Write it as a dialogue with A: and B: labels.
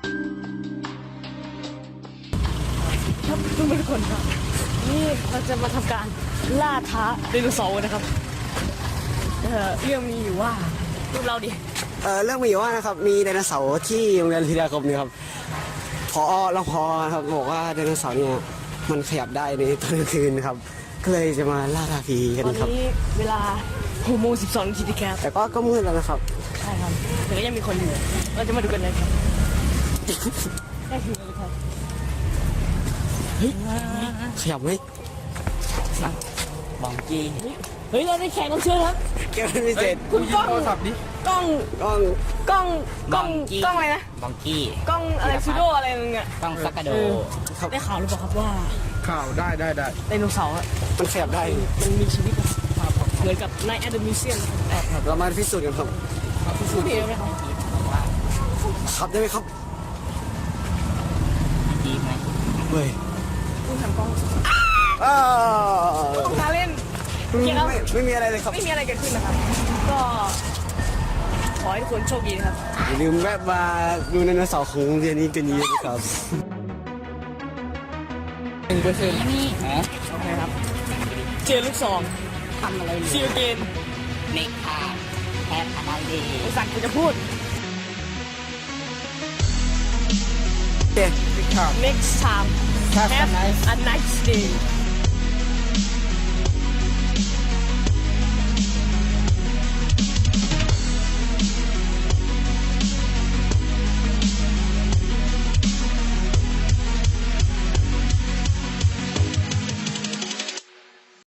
A: ครับทุกคนครับนี่เราจะมาทำการล่าท้าไดโนเสาร์นะครับเรื่องมีอยู่ว่าพวกเราดิ
B: เรื่องมีอยู่ว่านะครับมีไดโนเสาร์ที่โรงเรียนธีรคมนี่ครับรองพอครับบอกว่าไดโนเสาร์เนี่ยมันขยับได้ในตอนกลางคืนครับก็เลยจะมาล่าท้าผีกัน
A: ตอน
B: ครับ
A: นี้เวลา6 โมง 12 นาทีครับ
B: แต่ก็มืดแล้วนะครับ
A: ใช่ครับแต่ก็ยังมีคนอยู่เราจะมาดูกันเลยครับได้ถึงแล้วครับ
B: เฮ้ยขยับไหม
C: บองกี้
A: เฮ้ยเราได้แขกรับเชิญครับ
B: เกี่ยวพิเศษ
A: คุณกล้อง
B: กล้อง
A: กล้องอะไรนะ
C: บองกี้
A: กล้องอะไรซูโดอะไรนึงอ่ะ
C: ต้องซักกระโด
B: ครับ
A: ได้ข่าวหรือเปล่าครับว่า
D: ข่าวได้
A: ไดโนเสาร์อะ
B: มันขยับได้
A: มันมีชีวิตอะเหมือนกับในแอดมิวเซียม
B: เรามาพิสูจน์กันครับ
A: สูตรเดียวไหมครับ
B: ขับได้ไหมครับ
C: ดีไหม
B: เฮ้ย
A: คุณทำกล้อง
B: อ้าว
A: มาเล่นโอเคครับ
B: ไม่มีอะไรเลยครับ
A: ไม่มีอะไรเกิดขึ้นนะครับ ก็ขอให้ทุกคนโชคดีนะครับ
B: อย่าลืมแวะมาดูไดโนเสาร์ของโรงเรียนนี้กันเยอะๆนะครับ
C: 1%นี่ฮะ
A: โอเคครับ เจอลูกซอง
C: ทำอะไร
A: ซีลเกน
C: เมกาแฮปอะไรดี
A: ภาษาอังกฤษจะพูด
B: โอเค
D: ข่าว
A: next time
D: Have a
A: have
D: nice
A: a nice day